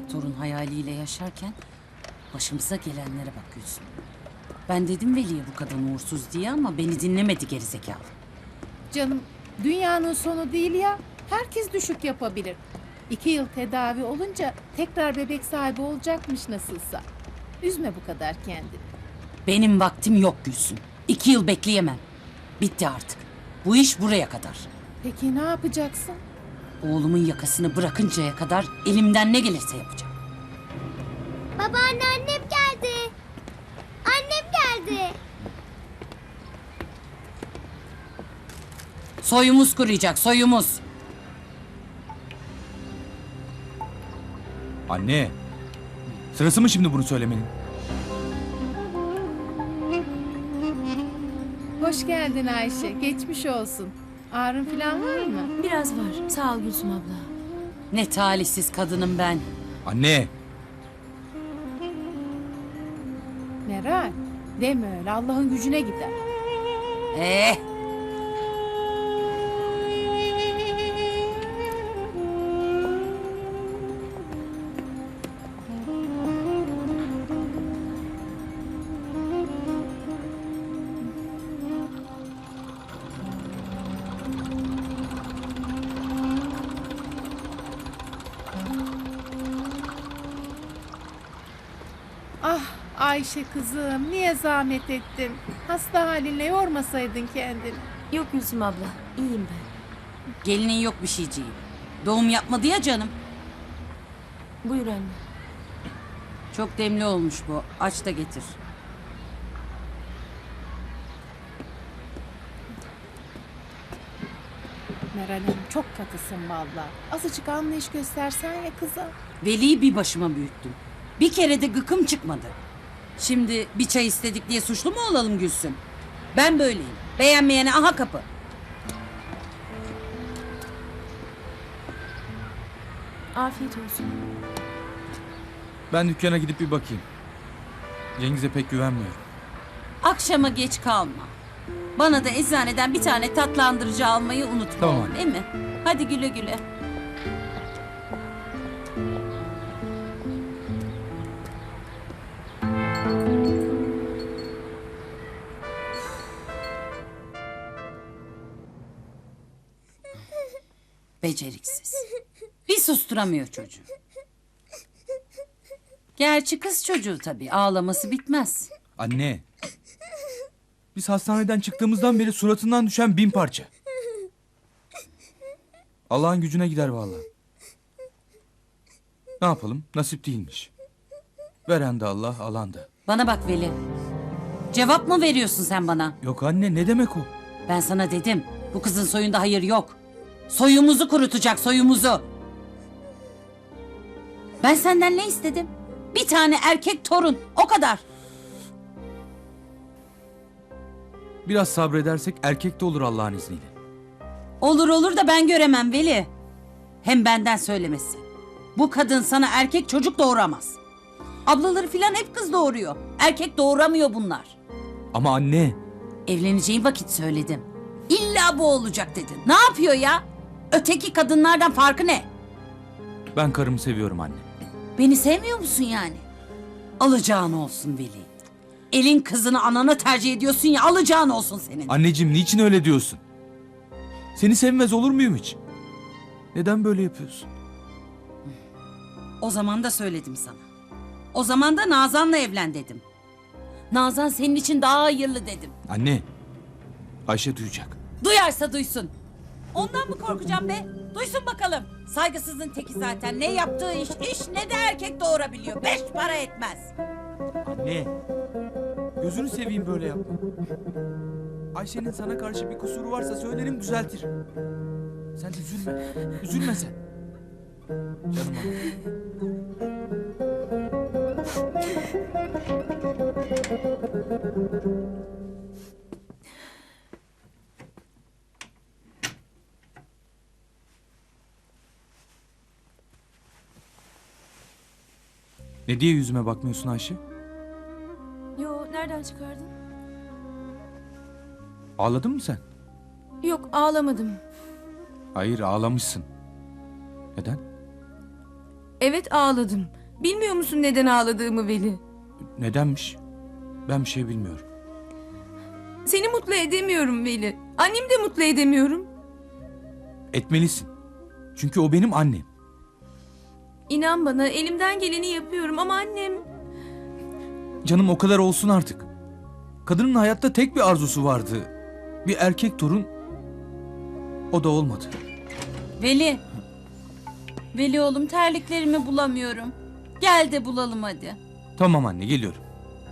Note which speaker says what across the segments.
Speaker 1: torun hayaliyle yaşarken başımıza gelenlere bak Gülsüm. Ben dedim Veli'ye bu kadın uğursuz diye ama beni dinlemedi gerizekalı.
Speaker 2: Canım, dünyanın sonu değil ya. Herkes düşük yapabilir. 2 yıl tedavi olunca tekrar bebek sahibi olacakmış nasılsa. Üzme bu kadar kendini.
Speaker 1: Benim vaktim yok Gülsüm. 2 yıl bekleyemem. Bitti artık. Bu iş buraya kadar.
Speaker 2: Peki ne yapacaksın?
Speaker 1: Oğlumun yakasını bırakıncaya kadar elimden ne gelirse yapacağım.
Speaker 3: Babaanne, annem geldi. Annem geldi.
Speaker 1: Soyumuz kuruyacak, soyumuz.
Speaker 4: Anne. Sırası mı şimdi bunu söylemenin?
Speaker 2: Hoş geldin Ayşe. Geçmiş olsun. Ağrın falan var mı?
Speaker 5: Biraz var. Sağ ol Gülsüm abla.
Speaker 1: Ne talihsiz kadınım ben.
Speaker 4: Anne.
Speaker 2: Meral, deme öyle. Allah'ın gücüne gider.
Speaker 1: Eh,
Speaker 2: Ah Ayşe kızım, niye zahmet ettin? Hasta halinle yormasaydın kendini.
Speaker 5: Yok Gülsüm abla. İyiyim ben.
Speaker 1: gelinin yok bir şeyciğim. Doğum yapmadı ya canım.
Speaker 5: Buyur anne.
Speaker 1: Çok demli olmuş bu. Aç da getir.
Speaker 2: Meral Hanım çok katısın vallahi. Azıcık anlayış göstersen ya kıza.
Speaker 1: Veli'yi bir başıma büyüttüm. Bir kere de gıkım çıkmadı. Şimdi bir çay istedik diye suçlu mu olalım Gülsüm? Ben böyleyim. Beğenmeyene aha kapı.
Speaker 5: Afiyet olsun.
Speaker 4: Ben dükkana gidip bir bakayım. Cengiz'e pek güvenmiyorum.
Speaker 1: Akşama geç kalma. Bana da eczaneden bir tane tatlandırıcı almayı unutma.
Speaker 4: Tamam
Speaker 1: oğlum,
Speaker 4: anne.
Speaker 1: değil mi? Hadi güle güle. Beceriksiz. Bir susturamıyor çocuğu. Gerçi kız çocuğu tabii. Ağlaması bitmez.
Speaker 4: Anne. Biz hastaneden çıktığımızdan beri suratından düşen 1000 parça. Allah'ın gücüne gider vallahi. Ne yapalım? Nasip değilmiş. Veren de Allah, alan da.
Speaker 1: Bana bak Veli. Cevap mı veriyorsun sen bana?
Speaker 4: Yok anne, ne demek o?
Speaker 1: Ben sana dedim. Bu kızın soyunda hayır yok. Soyumuzu kurutacak, soyumuzu. Ben senden ne istedim? Bir tane erkek torun. O kadar.
Speaker 4: Biraz sabredersek erkek de olur Allah'ın izniyle.
Speaker 1: Olur olur da ben göremem Veli. Hem benden söylemesi. Bu kadın sana erkek çocuk doğuramaz. Ablaları filan hep kız doğuruyor. Erkek doğuramıyor bunlar.
Speaker 4: Ama anne.
Speaker 1: Evleneceğin vakit söyledim. İlla bu olacak dedin. Ne yapıyor ya? Öteki kadınlardan farkı ne?
Speaker 4: Ben karımı seviyorum anne.
Speaker 1: Beni sevmiyor musun yani? Alacağın olsun Veli. Elin kızını anana tercih ediyorsun ya, alacağın olsun senin.
Speaker 4: Anneciğim, niçin öyle diyorsun? Seni sevmez olur muyum hiç? Neden böyle yapıyorsun?
Speaker 1: O zaman da söyledim sana. O zaman da Nazan'la evlen dedim. Nazan senin için daha hayırlı dedim.
Speaker 4: Anne. Ayşe duyacak.
Speaker 1: Duyarsa duysun. Ondan mı korkacağım be? Duysun bakalım. Saygısızın teki zaten. Ne yaptığı iş ne de erkek doğurabiliyor. 5 para etmez.
Speaker 4: Anne. Gözünü seveyim, böyle yapma. Ayşe'nin sana karşı bir kusuru varsa söylerim, düzeltirim. Sen üzülme. Üzülme sen. Canım anam. Ne diye yüzüme bakmıyorsun Ayşe?
Speaker 5: Yo, nereden çıkardın?
Speaker 4: Ağladın mı sen?
Speaker 5: Yok, ağlamadım.
Speaker 4: Hayır, ağlamışsın. Neden?
Speaker 5: Evet, ağladım. Bilmiyor musun neden ağladığımı Veli?
Speaker 4: Nedenmiş? Ben bir şey bilmiyorum.
Speaker 5: Seni mutlu edemiyorum Veli. Annemi de mutlu edemiyorum.
Speaker 4: Etmelisin. Çünkü o benim annem.
Speaker 5: İnan bana elimden geleni yapıyorum ama annem...
Speaker 4: Canım o kadar olsun artık. Kadının hayatta tek bir arzusu vardı. Bir erkek torun. O da olmadı.
Speaker 1: Veli. Veli oğlum terliklerimi bulamıyorum. Gel de bulalım hadi.
Speaker 4: Tamam anne, geliyorum.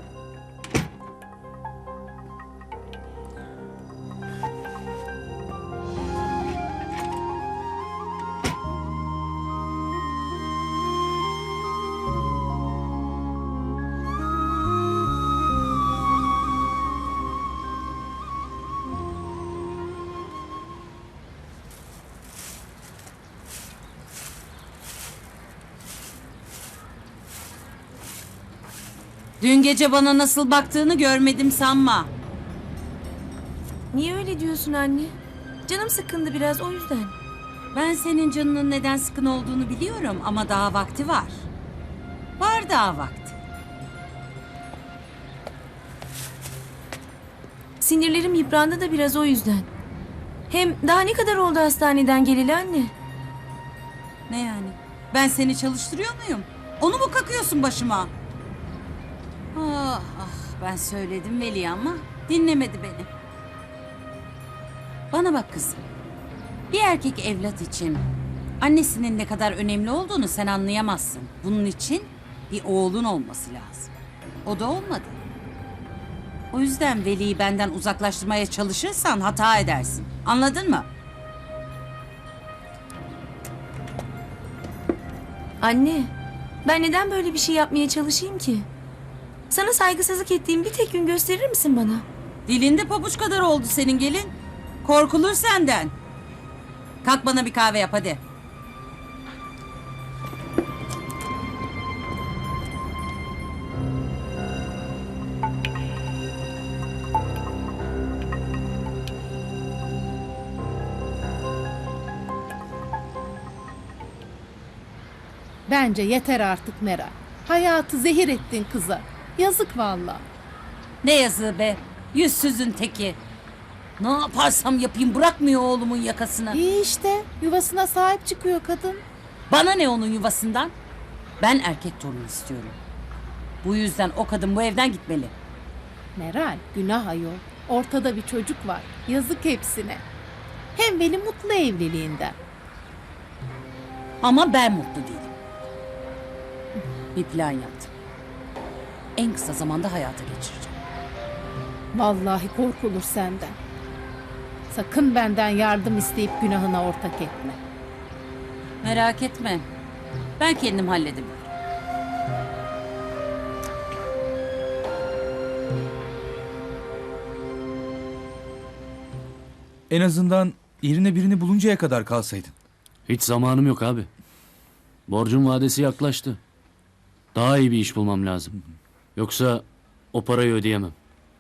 Speaker 1: Dün gece bana nasıl baktığını görmedim sanma.
Speaker 5: Niye öyle diyorsun anne? Canım sıkkındı biraz o yüzden.
Speaker 1: Ben senin canının neden sıkın olduğunu biliyorum ama daha vakti var. Var daha vakti.
Speaker 5: Sinirlerim yıprandı da biraz o yüzden. Hem daha ne kadar oldu hastaneden geleli anne?
Speaker 1: Ne yani? Ben seni çalıştırıyor muyum? Onu mu kakıyorsun başıma? Ah ah, ben söyledim Veli ama dinlemedi beni. Bana bak kızım. Bir erkek evlat için annesinin ne kadar önemli olduğunu sen anlayamazsın. Bunun için bir oğlun olması lazım. O da olmadı. O yüzden Veli'yi benden uzaklaştırmaya çalışırsan hata edersin. Anladın mı?
Speaker 5: Anne, ben neden böyle bir şey yapmaya çalışayım ki? Sana saygısızlık ettiğim bir tek gün gösterir misin bana?
Speaker 1: Dilinde pabuç kadar oldu senin gelin. Korkulur senden. Kalk bana bir kahve yap hadi.
Speaker 2: Bence yeter artık Meral. Hayatı zehir ettin kıza. Yazık vallahi.
Speaker 1: Ne yazığı be. Yüzsüzün teki. Ne yaparsam yapayım bırakmıyor oğlumun yakasını.
Speaker 2: İyi işte yuvasına sahip çıkıyor kadın.
Speaker 1: Bana ne onun yuvasından? Ben erkek torun istiyorum. Bu yüzden o kadın bu evden gitmeli.
Speaker 2: Meral günah ayol. Ortada bir çocuk var. Yazık hepsine. Hem Veli mutlu evliliğinden.
Speaker 1: Ama ben mutlu değilim. Bir plan yaptım. En kısa zamanda hayata geçireceğim.
Speaker 2: Vallahi korkulur senden. Sakın benden yardım isteyip günahına ortak etme.
Speaker 1: Merak etme. Ben kendim hallederim.
Speaker 4: En azından yerine birini buluncaya kadar kalsaydın.
Speaker 6: Hiç zamanım yok abi. Borcun vadesi yaklaştı. Daha iyi bir iş bulmam lazım. Yoksa o parayı ödeyemem.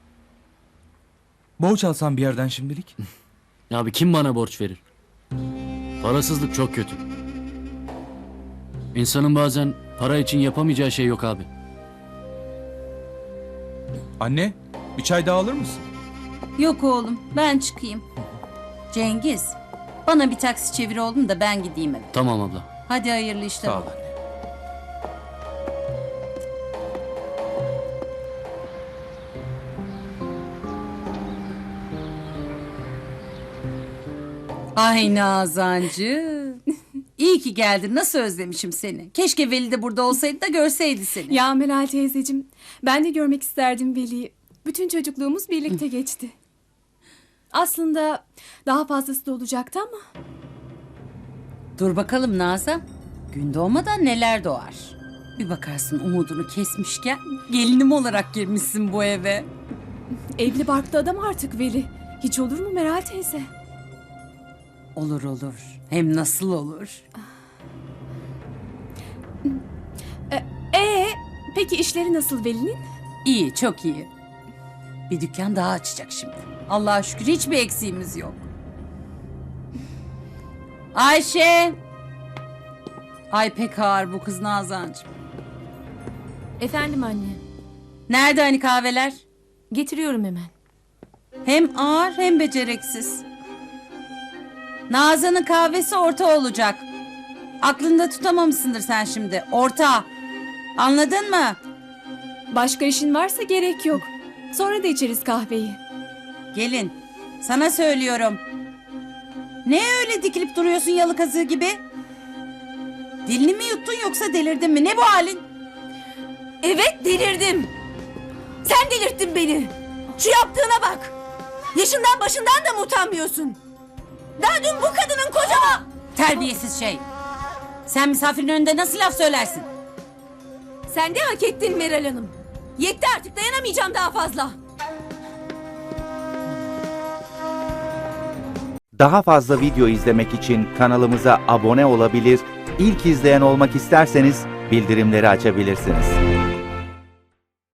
Speaker 4: Borç alsan bir yerden şimdilik.
Speaker 6: Abi kim bana borç verir? Parasızlık çok kötü. İnsanın bazen para için yapamayacağı şey yok abi.
Speaker 4: Anne, bir çay daha alır mısın?
Speaker 1: Yok oğlum ben çıkayım. Cengiz bana bir taksi çevir oğlum da ben gideyim eve.
Speaker 6: Tamam abla.
Speaker 1: Hadi hayırlı işler.
Speaker 4: Sağ ol anne.
Speaker 1: Ay Nazancı. İyi ki geldin. Nasıl özlemişim seni. Keşke Veli de burada olsaydı da görseydi seni.
Speaker 7: Ya Meral teyzeciğim, ben de görmek isterdim Veli'yi. Bütün çocukluğumuz birlikte geçti. Aslında daha fazlası da olacaktı ama
Speaker 1: Dur bakalım Nazan. Gün doğmadan neler doğar. Bir bakarsın umudunu kesmişken gelinim olarak girmişsin bu eve.
Speaker 7: evli barklı adam artık Veli. Hiç olur mu Meral teyze?
Speaker 1: Olur olur. Hem nasıl olur?
Speaker 7: Peki işleri nasıl Veli'nin?
Speaker 1: İyi, çok iyi. Bir dükkan daha açacak şimdi. Allah'a şükür hiçbir eksiğimiz yok. Ayşe! Ay pek ağır bu kız Nazancığım.
Speaker 5: Efendim anne.
Speaker 1: Nerede hani kahveler?
Speaker 5: Getiriyorum hemen.
Speaker 1: Hem ağır hem beceriksiz. Nazan'ın kahvesi orta olacak. Aklında tutamamışsındır sen şimdi. Orta. Anladın mı?
Speaker 7: Başka işin varsa gerek yok. Sonra da içeriz kahveyi.
Speaker 1: Gelin. Sana söylüyorum. Ne öyle dikilip duruyorsun yalı kazığı gibi? Dilini mi yuttun yoksa delirdin mi? Ne bu halin?
Speaker 5: Evet delirdim. Sen delirttin beni. Şu yaptığına bak. Yaşından başından da mı utanmıyorsun? Daha dün bu kadının kocama...
Speaker 1: Terbiyesiz şey. Sen misafirin önünde nasıl laf söylersin?
Speaker 5: Sen de hak ettin Meral Hanım. Yetti artık, dayanamayacağım daha fazla.
Speaker 8: Daha fazla video izlemek için kanalımıza abone olabilir, ilk izleyen olmak isterseniz bildirimleri açabilirsiniz.